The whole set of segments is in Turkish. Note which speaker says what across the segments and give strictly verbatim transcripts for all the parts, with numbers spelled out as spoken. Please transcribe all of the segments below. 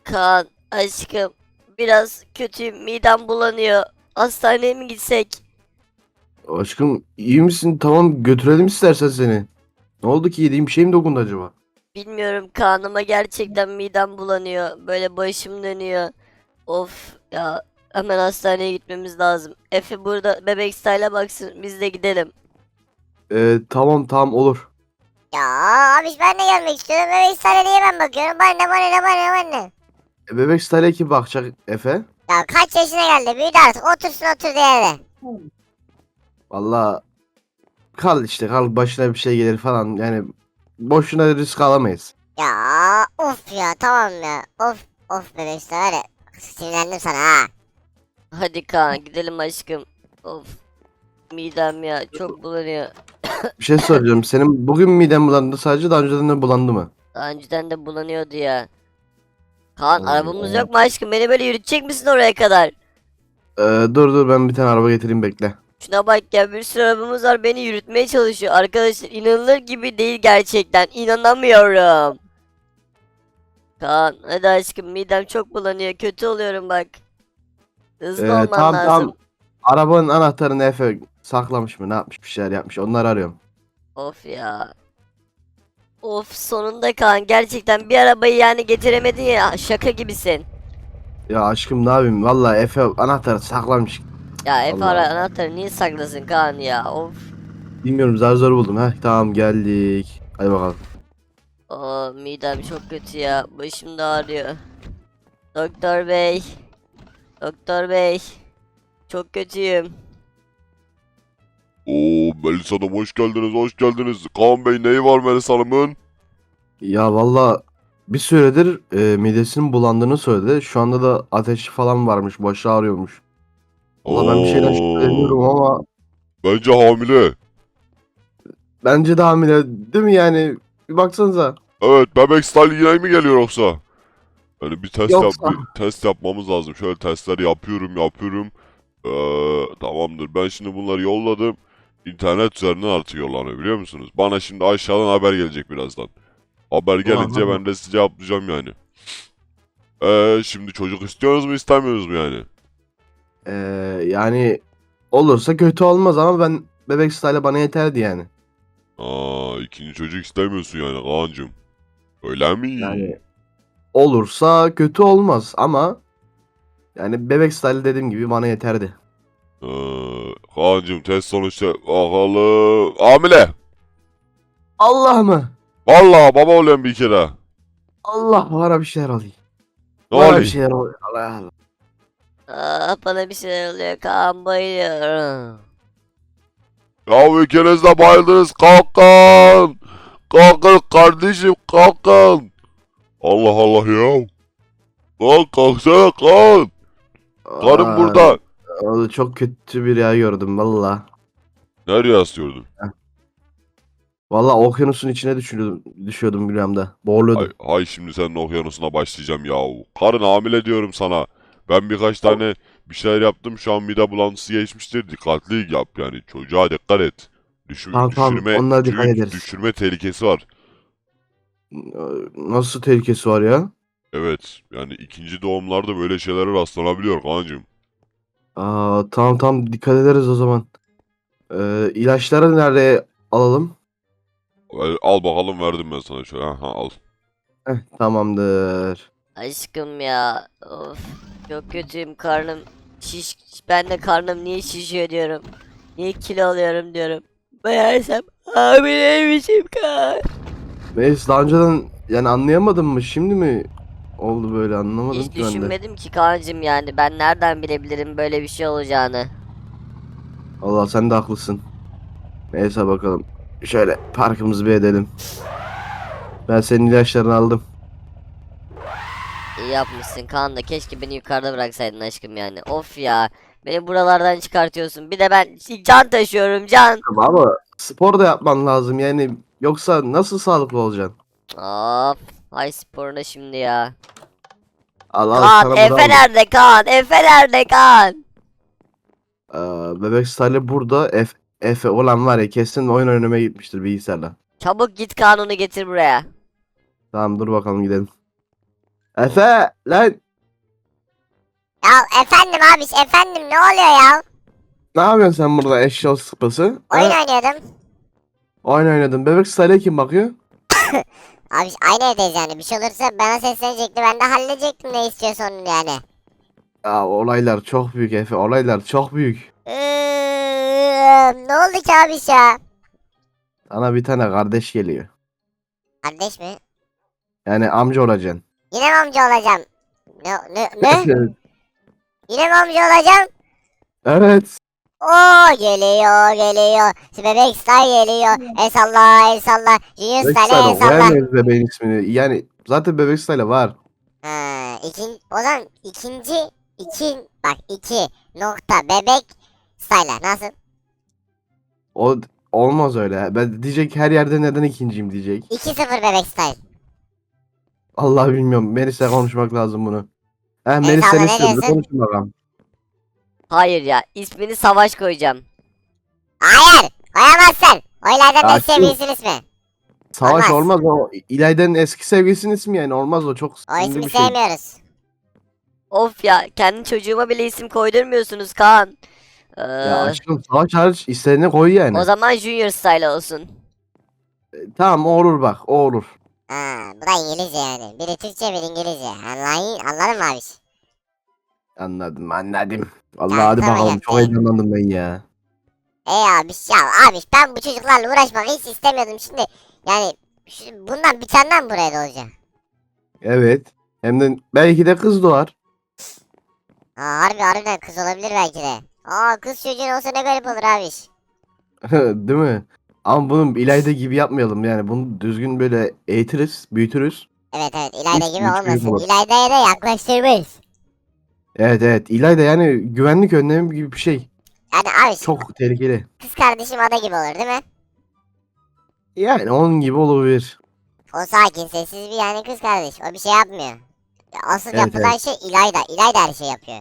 Speaker 1: Kaan aşkım biraz kötüyüm, midem bulanıyor. Hastaneye mi gitsek?
Speaker 2: Aşkım iyi misin? Tamam götürelim istersen seni. Ne oldu ki, yediğin bir şey mi dokundu acaba?
Speaker 1: Bilmiyorum Kaan ama gerçekten midem bulanıyor. Böyle başım dönüyor. Of ya, hemen hastaneye gitmemiz lazım. Efe burada bebek style'a baksın, biz de gidelim.
Speaker 2: Ee, tamam tamam olur.
Speaker 3: Ya abi ben de gelmek istiyorum. Bebek sarılıya ben bakıyorum. Bana ne bana ne bana ne bana ne.
Speaker 2: E, bebek style'e kim bakacak Efe?
Speaker 3: Ya kaç yaşına geldi? Büyüdü artık. Otursun oturduğu yerde.
Speaker 2: Valla kal işte, kal, başına bir şey gelir falan, yani boşuna risk alamayız.
Speaker 3: Ya of ya tamam ya. Of of bebek var ya. Sinirlendim sana ha.
Speaker 1: Hadi Kaan gidelim aşkım. Of, midem ya çok bulanıyor.
Speaker 2: Bir şey soracağım, senin bugün miden bulandı sadece, daha önceden de bulandı mı?
Speaker 1: Daha önceden de bulanıyordu ya. Kaan
Speaker 2: Allah
Speaker 1: arabamız
Speaker 2: Allah.
Speaker 1: yok mu aşkım? Beni böyle yürütecek misin oraya kadar?
Speaker 2: Ee, dur dur, ben bir tane araba getireyim, bekle.
Speaker 1: Şuna bak ya, bir sürü arabamız var, beni yürütmeye çalışıyor. Arkadaşlar inanılır gibi değil gerçekten. İnanamıyorum. Kaan hadi aşkım, midem çok bulanıyor. Kötü oluyorum bak. Hızlı
Speaker 2: Ee,
Speaker 1: olman
Speaker 2: tamam
Speaker 1: lazım.
Speaker 2: tamam. Arabanın anahtarını Efe saklamış mı, ne yapmış, bir şeyler yapmış, onları arıyorum.
Speaker 1: Of ya. Of sonunda Kaan, gerçekten bir arabayı yani getiremedin ya, şaka gibisin.
Speaker 2: Ya aşkım ne yapayım, valla Efe anahtarı saklamış.
Speaker 1: Ya Efe
Speaker 2: Allah
Speaker 1: ara
Speaker 2: Allah.
Speaker 1: anahtarı niye saklasın Kaan ya, of.
Speaker 2: Bilmiyorum, zar zor buldum. Heh tamam, geldik. Hadi bakalım.
Speaker 1: Aa, midem çok kötü ya, başım da ağrıyor. Doktor bey. Doktor bey. Çok kötüyüm.
Speaker 4: Oo Melis Hanım hoş geldiniz hoş geldiniz. Kaan Bey neyi var Melis Hanım'ın?
Speaker 2: Ya valla bir süredir e, midesinin bulandığını söyledi. Şu anda da ateşi falan varmış, başı ağrıyormuş. Valla ben bir şeyden
Speaker 4: Oo,
Speaker 2: şüpheleniyorum ama
Speaker 4: bence hamile.
Speaker 2: bence de hamile değil mi yani? Bir baksanıza.
Speaker 4: Evet bebek style yine mi geliyor yoksa? Yani bir test yap
Speaker 2: Yoksa.
Speaker 4: bir test yapmamız lazım. Şöyle testler yapıyorum yapıyorum. Ee, tamamdır. Ben şimdi bunları yolladım. İnternet üzerinden artık yollanıyor biliyor musunuz? Bana şimdi aşağıdan haber gelecek birazdan. Haber gelince
Speaker 2: Aha.
Speaker 4: ben de size cevaplayacağım yani. Ee, şimdi çocuk istiyorsunuz mu istemiyorsunuz mu yani?
Speaker 2: E, yani olursa kötü olmaz ama ben bebek style bana yeterdi yani.
Speaker 4: Aa, ikinci çocuk istemiyorsun yani Kaan'cığım. Öyle mi?
Speaker 2: Yani olursa kötü olmaz ama yani bebek style dediğim gibi bana yeterdi.
Speaker 4: Ee, Kaan'cığım test sonuçta bakalım. Hamile.
Speaker 2: Allah mı?
Speaker 4: Vallahi baba oluyorum bir kere.
Speaker 2: Allah, bana bir şeyler alayım.
Speaker 4: Ne
Speaker 2: Bana bir
Speaker 4: oluyor?
Speaker 2: şeyler oluyor. Allah Allah.
Speaker 1: Aa, bana bir şeyler oluyor Kaan, bayılıyorum.
Speaker 4: Ya ikiniz de bayıldınız. Kalkın. Kalkın kardeşim kalkın. Allah Allah ya. Kalk kalksana kalk. Karım
Speaker 2: Aa,
Speaker 4: burada.
Speaker 2: o çok kötü bir rüya gördüm valla.
Speaker 4: Nereye asıyordun?
Speaker 2: Valla okyanusun içine düşüyordum, düşüyordum rüyamda.
Speaker 4: Hay,
Speaker 2: Boğuluyordum.
Speaker 4: hay şimdi senin okyanusuna başlayacağım ya. Karın hamile diyorum sana. Ben birkaç tane bir şeyler yaptım. Şu an mide bulantısı geçmiştir. Dikkatli yap yani. Çocuğa dikkat et. Düşür,
Speaker 2: Tamam tamam,
Speaker 4: düşürme
Speaker 2: onlara dikkat
Speaker 4: çünkü
Speaker 2: ederiz.
Speaker 4: düşürme tehlikesi var.
Speaker 2: Ee, Nasıl tehlikesi var ya?
Speaker 4: Evet. Yani ikinci doğumlarda böyle şeylere rastlanabiliyor kancım.
Speaker 2: Aa, tamam tamam, dikkat ederiz o zaman. Ee, ilaçları nerede alalım?
Speaker 4: Al, al bakalım verdim ben sana şöyle. Ha, al.
Speaker 2: Heh, tamamdır.
Speaker 1: Aşkım ya, of çok kötüyüm, karnım şiş, ben de karnım niye şişiyor diyorum. Niye kilo alıyorum diyorum. Meğersem hamileymişim Kaan.
Speaker 2: Neyse, daha önceden yani anlayamadım mı? Şimdi mi oldu böyle, anlamadım
Speaker 1: Hiç
Speaker 2: ki ben de.
Speaker 1: düşünmedim ki Kaan'cım, yani ben nereden bilebilirim böyle bir şey olacağını.
Speaker 2: Allah, sen de haklısın. Neyse bakalım. Şöyle parkımızı bir edelim. Ben senin ilaçlarını aldım.
Speaker 1: İyi yapmışsın Kaan, da keşke beni yukarıda bıraksaydın aşkım yani. Of ya, beni buralardan çıkartıyorsun. Bir de ben can taşıyorum, can.
Speaker 2: Ama ama spor da yapman lazım yani, yoksa nasıl sağlıklı olacaksın?
Speaker 1: Of, ay sporuna şimdi ya.
Speaker 2: Al al,
Speaker 1: Kaan,
Speaker 2: sana bunu
Speaker 1: Efe
Speaker 2: aldım.
Speaker 1: nerede Kaan? Efe nerede Kaan?
Speaker 2: Ee, bebek Salih burada. Efe, Efe olan var ya, kesin oyun oynamaya gitmiştir bilgisayarla.
Speaker 1: Çabuk git Kaan, onu getir buraya.
Speaker 2: Tamam, dur bakalım, gidelim. Efe lan
Speaker 3: Ya efendim abiş efendim ne oluyor ya?
Speaker 2: ne yapıyorsun sen burada eşya sıpası?
Speaker 3: Oyun
Speaker 2: Ha?
Speaker 3: oynuyordum.
Speaker 2: Oyun oynadın. Bebek Style'e kim bakıyor?
Speaker 3: Abiş aynı evdeyiz yani. Bir şey olursa bana seslenecekti. Ben de halledecektim ne istiyorsa onun yani.
Speaker 2: Ya olaylar çok büyük Efe. Olaylar çok büyük.
Speaker 3: Iıı, ne oldu ki abiş ya?
Speaker 2: Sana bir tane kardeş geliyor.
Speaker 3: Kardeş mi?
Speaker 2: Yani amca olacaksın.
Speaker 3: Yine mi amca olacağım? Ne? Ne? ne? Yine mi amca olacağım?
Speaker 2: Evet.
Speaker 3: Oo geliyor geliyor. Şu bebek style geliyor. El salla el salla. Junior
Speaker 2: Bebek
Speaker 3: style el
Speaker 2: Style
Speaker 3: salla.
Speaker 2: vermeyiz bebeğin ismini. Yani zaten Bebek Style var.
Speaker 3: Ha, ikin, o zaman ikinci iki bak iki nokta bebek style nasıl?
Speaker 2: O olmaz öyle. Ben diyecek her yerde neden ikinciyim diyecek.
Speaker 3: iki sıfır bebek style.
Speaker 2: Allah bilmiyorum. Melis'le konuşmak lazım bunu. Heh
Speaker 3: Evet
Speaker 2: Melis
Speaker 3: abla,
Speaker 2: seni
Speaker 3: ne
Speaker 2: istiyor. Bir
Speaker 3: diyorsun?
Speaker 2: konuşun bakalım.
Speaker 1: Hayır ya, ismini Savaş koyacağım.
Speaker 3: Hayır koyamazsın. Oylardan
Speaker 2: Ya
Speaker 3: ne sevgilisinin ismi.
Speaker 2: Savaş
Speaker 3: Olmaz.
Speaker 2: olmaz o. İlayda'nın eski sevgilisinin ismi yani. Olmaz o. Çok
Speaker 3: O
Speaker 2: sinirli
Speaker 3: ismi
Speaker 2: bir şey.
Speaker 3: sevmiyoruz.
Speaker 1: Of ya, kendi çocuğuma bile isim koydurmuyorsunuz Kaan. Ee,
Speaker 2: Ya aşkım Savaş hariç istediğini koy yani.
Speaker 1: o zaman Junior Style olsun.
Speaker 2: E, tamam o olur bak. O olur.
Speaker 3: Ha, bu da İngilizce yani. Biri Türkçe biri İngilizce. Anlayın, anladın mı abi?
Speaker 2: Anladım anladım. Allah
Speaker 3: Ya,
Speaker 2: hadi
Speaker 3: tamam
Speaker 2: bakalım.
Speaker 3: ya,
Speaker 2: Çok
Speaker 3: şey.
Speaker 2: heyecanlandım ben ya.
Speaker 3: Ey abi ya abi ben bu çocuklarla uğraşmak hiç istemiyordum şimdi. Yani şu, bundan bir tane daha mı buraya doğacak?
Speaker 2: Evet. Hem de belki de kız doğar.
Speaker 3: Aa, harbi harbiden kız olabilir belki de. Aa kız çocuğun olsa ne garip olur abi.
Speaker 2: Değil mi? Ama bunu İlayda gibi yapmayalım yani. Bunu düzgün böyle eğitiriz, büyütürüz.
Speaker 3: Evet evet İlayda
Speaker 2: Üç-
Speaker 3: gibi
Speaker 2: üç büyük
Speaker 3: olmasın.
Speaker 2: olur.
Speaker 3: İlayda'ya da yaklaştırmayız.
Speaker 2: Evet evet. İlayda yani güvenlik önlemi gibi bir şey.
Speaker 3: Yani abi
Speaker 2: Çok tehlikeli.
Speaker 3: kız kardeşim ada gibi olur değil mi?
Speaker 2: Yani onun gibi olabilir.
Speaker 3: O sakin sessiz bir yani kız kardeş. O bir şey yapmıyor. Ya asıl
Speaker 2: Evet,
Speaker 3: yapılan şey İlayda. İlayda her şey yapıyor.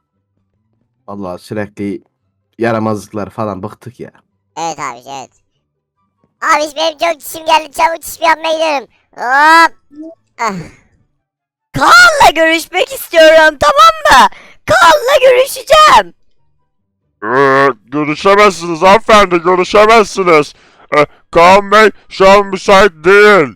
Speaker 2: Allah sürekli yaramazlıklar falan bıktık ya.
Speaker 3: Evet abi evet. Abi benim çok çişim geldi çabuk çişimi yapmaya gidiyorum. Hop. Ah.
Speaker 1: Kaan'la görüşmek istiyorum, tamam mı? Kaan'la görüşeceğim.
Speaker 4: Ee, görüşemezsiniz hanımefendi, görüşemezsiniz. Ee, Kaan Bey şu an müsait değil.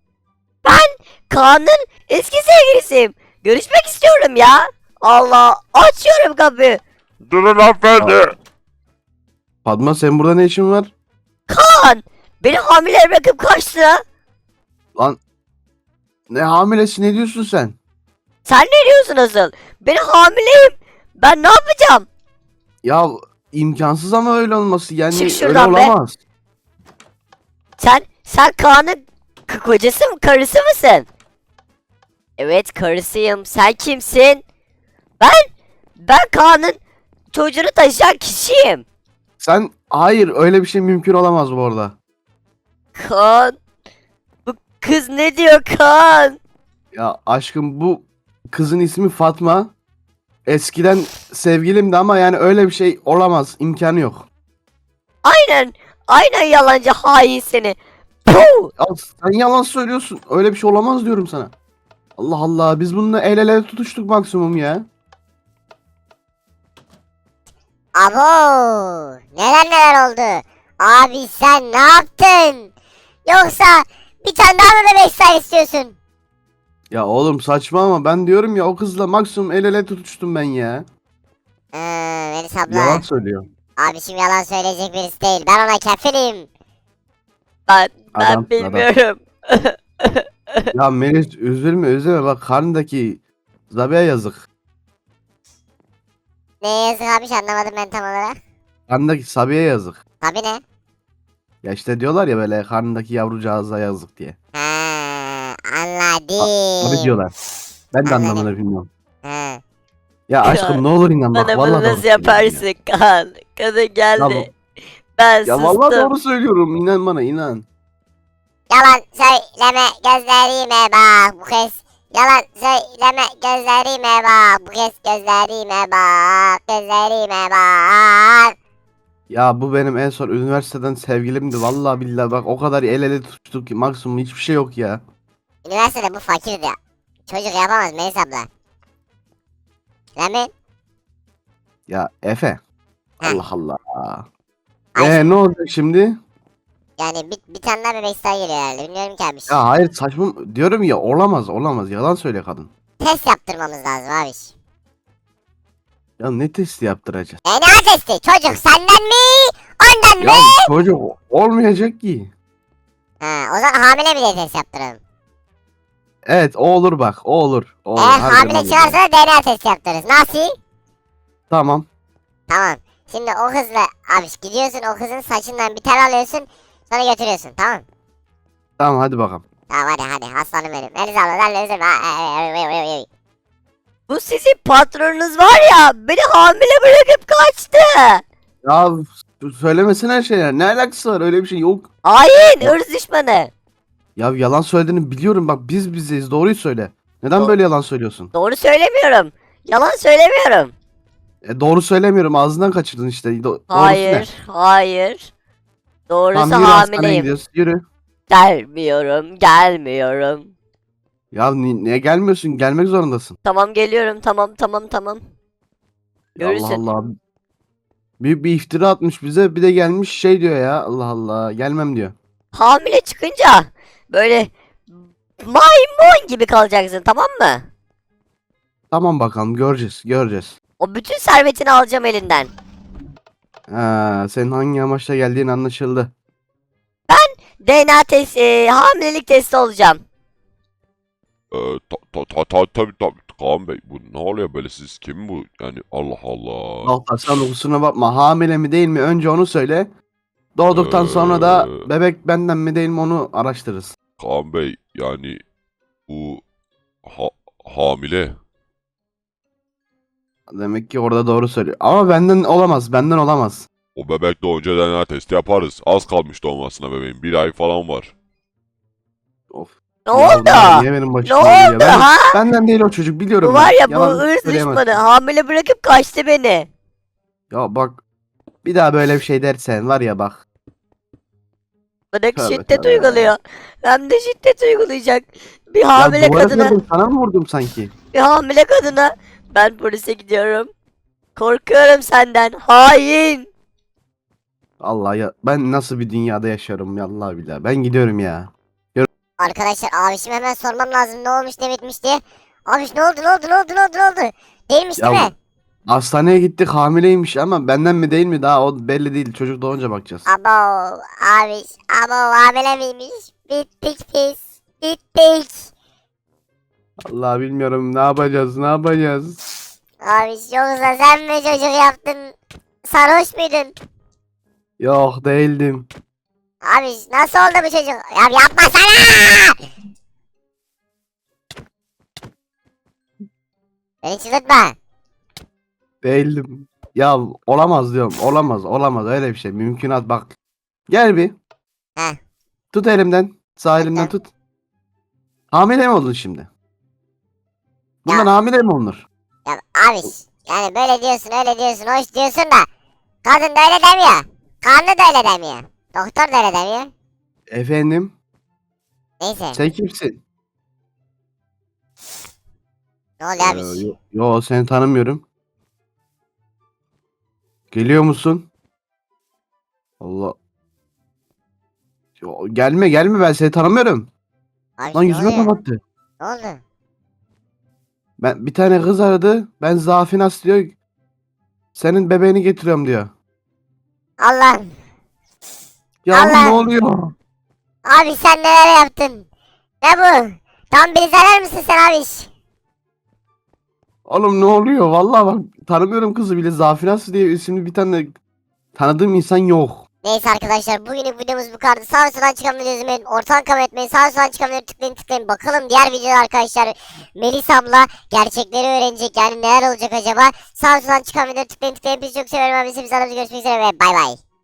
Speaker 1: Kaan'ın eski sevgilisiyim. Görüşmek istiyorum ya. Allah, açıyorum kapıyı.
Speaker 4: Durun hanımefendi.
Speaker 2: Fatma sen burada ne işin var?
Speaker 1: Kaan, beni hamile bırakıp kaçtı.
Speaker 2: Lan ne hamilesi ne diyorsun sen?
Speaker 1: Sen ne diyorsun asıl? Ben hamileyim. Ben ne yapacağım?
Speaker 2: Ya imkansız ama öyle olması yani
Speaker 1: Çık
Speaker 2: öyle
Speaker 1: şuradan be.
Speaker 2: olamaz.
Speaker 1: Sen, sen Kaan'ın k- kocası mı, karısı mısın? Evet, karısıyım. Sen kimsin? Ben, ben Kaan'ın çocuğunu taşıyan kişiyim.
Speaker 2: Sen hayır öyle bir şey mümkün olamaz bu arada.
Speaker 1: Kaan, bu kız ne diyor Kaan?
Speaker 2: Ya aşkım bu kızın ismi Fatma. Eskiden sevgilimdi ama yani öyle bir şey olamaz. İmkanı yok.
Speaker 1: Aynen, aynen yalancı hain seni. Puh!
Speaker 2: Ya sen yalan söylüyorsun. Öyle bir şey olamaz diyorum sana. Allah Allah biz bununla el ele tutuştuk maksimum ya.
Speaker 3: Abo neler neler oldu. Abi sen ne yaptın? Yoksa bir tane daha mı bebek style istiyorsun?
Speaker 2: Ya oğlum saçma ama ben diyorum ya o kızla maksimum el ele tutuştum ben ya.
Speaker 3: Ee, Melis abla.
Speaker 2: Yalan söylüyor.
Speaker 3: Abi şimdi yalan söyleyecek birisi değil. Ben ona kefilim.
Speaker 1: Ben, ben
Speaker 2: Adam, adam.
Speaker 1: bilmiyorum.
Speaker 2: Ya Melis üzülme üzülme bak karnındaki Zabia'ya yazık.
Speaker 3: Ne yazık abi anlamadım ben tam olarak.
Speaker 2: Karnındaki Sabia'ya yazık.
Speaker 3: Tabi ne?
Speaker 2: Ya işte diyorlar ya böyle karnındaki yavrucağıza yazık diye.
Speaker 3: Ha, anladım.
Speaker 2: Tabii diyorlar. Ben de
Speaker 3: Anladım.
Speaker 2: anlamını bilmiyorum.
Speaker 3: Ha.
Speaker 2: Ya aşkım ne olur inan bak
Speaker 1: Bana
Speaker 2: vallahi
Speaker 1: bunu
Speaker 2: doğru
Speaker 1: nasıl
Speaker 2: söylüyorum ya.
Speaker 1: yaparsın Kaan? Kadın geldi.
Speaker 2: Ya,
Speaker 1: Ben
Speaker 2: ya vallahi
Speaker 1: sustum.
Speaker 2: doğru söylüyorum inan bana inan.
Speaker 3: Yalan söyleme gözlerime bak bu kez. Yalan söyleme gözlerime bak bu kez gözlerime bak gözlerime bak.
Speaker 2: Ya bu benim en son üniversiteden sevgilimdi vallahi billahi bak o kadar el ele tutuştuk ki maksimum hiçbir şey yok ya.
Speaker 3: Üniversitede bu fakirdi. Çocuk yapamaz Melis abla. Değil mi?
Speaker 2: Ya Efe.
Speaker 3: Heh.
Speaker 2: Allah Allah.
Speaker 3: Ay,
Speaker 2: Ee ne olacak şimdi?
Speaker 3: Yani bir, bir tane daha bebek sayı geliyor herhalde. Bilmiyorum ki abi.
Speaker 2: Ya hayır saçma diyorum ya olamaz olamaz yalan söyle kadın.
Speaker 3: Test yaptırmamız lazım abi.
Speaker 2: Ya ne testi yaptıracağız?
Speaker 3: D N A testi. Çocuk senden mi? Ondan mı?
Speaker 2: Ya çocuk olmayacak ki.
Speaker 3: Ha, o zaman hamile mi diye test yaptıralım.
Speaker 2: Evet o olur bak o olur. O olur.
Speaker 3: Eğer
Speaker 2: harbiden
Speaker 3: hamile
Speaker 2: olur.
Speaker 3: çıkarsa da D N A testi yaptırırız. Nasıl?
Speaker 2: Tamam.
Speaker 3: Tamam. Şimdi o kızla abi gidiyorsun o kızın saçından bir tel alıyorsun. Sonra götürüyorsun tamam.
Speaker 2: Tamam hadi bakalım.
Speaker 3: Tamam hadi hadi aslanım benim. Melis abla sen de üzülme. Ha, e, e, e, e, e.
Speaker 1: Bu sizin patronunuz var ya, beni hamile bırakıp kaçtı.
Speaker 2: Ya söylemesin her şeyler. Ne alakası var öyle bir şey yok.
Speaker 1: Hain, ırz düşmanı.
Speaker 2: Ya yalan söylediğini biliyorum bak biz bizeyiz doğruyu söyle. Neden
Speaker 1: Do-
Speaker 2: böyle yalan söylüyorsun?
Speaker 1: Doğru söylemiyorum. Yalan söylemiyorum.
Speaker 2: E, doğru söylemiyorum ağzından kaçırdın işte. Do- doğrusu ne?
Speaker 1: Hayır, hayır. Doğrusu
Speaker 2: Tamam yürü hastaneye
Speaker 1: hamileyim.
Speaker 2: gidiyoruz yürü.
Speaker 1: Gelmiyorum, gelmiyorum.
Speaker 2: Ya ni- niye gelmiyorsun gelmek zorundasın.
Speaker 1: Tamam geliyorum, tamam tamam tamam.
Speaker 2: Ya
Speaker 1: Görürsün.
Speaker 2: Allah Allah. Büyük bir iftira atmış bize bir de gelmiş şey diyor ya Allah Allah gelmem diyor.
Speaker 1: Hamile çıkınca böyle maymun gibi kalacaksın, tamam mı?
Speaker 2: Tamam bakalım göreceğiz göreceğiz.
Speaker 1: O bütün servetini alacağım elinden.
Speaker 2: Ha, senin hangi amaçla geldiğin anlaşıldı.
Speaker 1: D N A testi, e, hamilelik testi olacağım.
Speaker 4: Ee, ta ta ta ta tabii tabii Kaan Bey bu ne oluyor böyle siz kim bu yani Allah Allah.
Speaker 2: Doktor sen de kusura bakma hamile mi değil mi önce onu söyle. Doğduktan sonra da
Speaker 4: Ee.
Speaker 2: bebek benden mi değil mi onu araştırırız.
Speaker 4: Kaan Bey yani bu ha hamile.
Speaker 2: Demek ki orada doğru söylüyor. Ama benden olamaz benden olamaz.
Speaker 4: O bebek doğunca D N A testi yaparız. Az kalmış doğmasına bebeğin. Bir ay falan var.
Speaker 2: Of.
Speaker 1: Ne
Speaker 2: Ya
Speaker 1: oldu?
Speaker 2: bunlar Niye benim
Speaker 1: Ne
Speaker 2: başıma geliyor?
Speaker 1: oldu
Speaker 2: Ben-
Speaker 1: ha?
Speaker 2: Benden değil o çocuk biliyorum
Speaker 1: Bu var
Speaker 2: ben.
Speaker 1: ya, bu
Speaker 2: Yalan
Speaker 1: ırz
Speaker 2: söyleyemezsin.
Speaker 1: düşmanı. Hamile bırakıp kaçtı beni.
Speaker 2: Ya bak bir daha böyle bir şey dersen var ya bak.
Speaker 1: Bana
Speaker 2: Tövbe
Speaker 1: şiddet
Speaker 2: tövbe.
Speaker 1: uyguluyor. Hem de şiddet uygulayacak. Bir
Speaker 2: Ya
Speaker 1: hamile
Speaker 2: duvara
Speaker 1: kadına,
Speaker 2: kırdım, sana mı vurdum sanki?
Speaker 1: bir hamile kadına. Ben polise gidiyorum. Korkuyorum senden. Hain.
Speaker 2: Allah ya ben nasıl bir dünyada yaşıyorum ya Allah billahi. Ben gidiyorum ya.
Speaker 3: Arkadaşlar abişim hemen sormam lazım ne olmuş ne bitmiş diye. Abiş ne oldu ne oldu ne oldu ne oldu ne oldu? Değilmiş
Speaker 2: Ya
Speaker 3: değil mi?
Speaker 2: hastaneye gittik hamileymiş ama benden mi değil mi daha o belli değil. Çocuk doğunca bakacağız.
Speaker 3: Abo abiş abo hamile miymiş? Bittik biz. Bittik.
Speaker 2: Allah bilmiyorum ne yapacağız ne yapacağız.
Speaker 3: Abiş yoksa sen mi çocuk yaptın? Sarhoş muydun?
Speaker 2: Yok değildim.
Speaker 3: Abiş nasıl oldu bu çocuk? Ya yapmasana! Beni çıldırtma.
Speaker 2: Değildim. Ya olamaz diyorum. Olamaz olamaz öyle bir şey. Mümkünat bak. Gel bir.
Speaker 3: Heh.
Speaker 2: Tut elimden. Sağ elimden
Speaker 3: Tuttum.
Speaker 2: tut. Hamile mi oldun şimdi? Bundan
Speaker 3: Ya.
Speaker 2: hamile mi olunur?
Speaker 3: Ya abiş yani böyle diyorsun öyle diyorsun hoş diyorsun da kadın da öyle demiyor. Kanlı da öyle demiyor. Doktor da öyle demiyor.
Speaker 2: Efendim?
Speaker 3: Neyse
Speaker 2: Sen kimsin?
Speaker 3: ne oluyor
Speaker 2: Ee,
Speaker 3: abiş?
Speaker 2: yo, yo, seni tanımıyorum. Geliyor musun? Allah. Yo, gelme gelme ben seni tanımıyorum.
Speaker 3: Abiş
Speaker 2: Lan
Speaker 3: ne
Speaker 2: yüzüme
Speaker 3: oluyor?
Speaker 2: kapattı.
Speaker 3: Ne oldu?
Speaker 2: Ben bir tane kız aradı. Ben Zafinas diyor. Senin bebeğini getiriyorum diyor.
Speaker 3: Allah'ım.
Speaker 2: Ya
Speaker 3: Allah.
Speaker 2: ne oluyor?
Speaker 3: Abi sen neler yaptın? Ne bu? Tam beni zarar mısın sen abiş?
Speaker 2: Oğlum ne oluyor? Vallahi bak tanımıyorum kızı bile. Zafinas diye isimli bir tane tanıdığım insan yok.
Speaker 3: Neyse arkadaşlar bugünlük videomuz bu kadar. Sağ soldan çıkan videoyu izlemeyin. Ortadan kabul etmeyin. Sağ soldan çıkan videoyu tıklayın tıklayın. Bakalım diğer videoda arkadaşlar. Melis abla gerçekleri öğrenecek. Yani neler olacak acaba? Sağ soldan çıkan videoyu tıklayın tıklayın. Bizi çok seviyorum abi. Biz görüşmek üzere ve bay bay.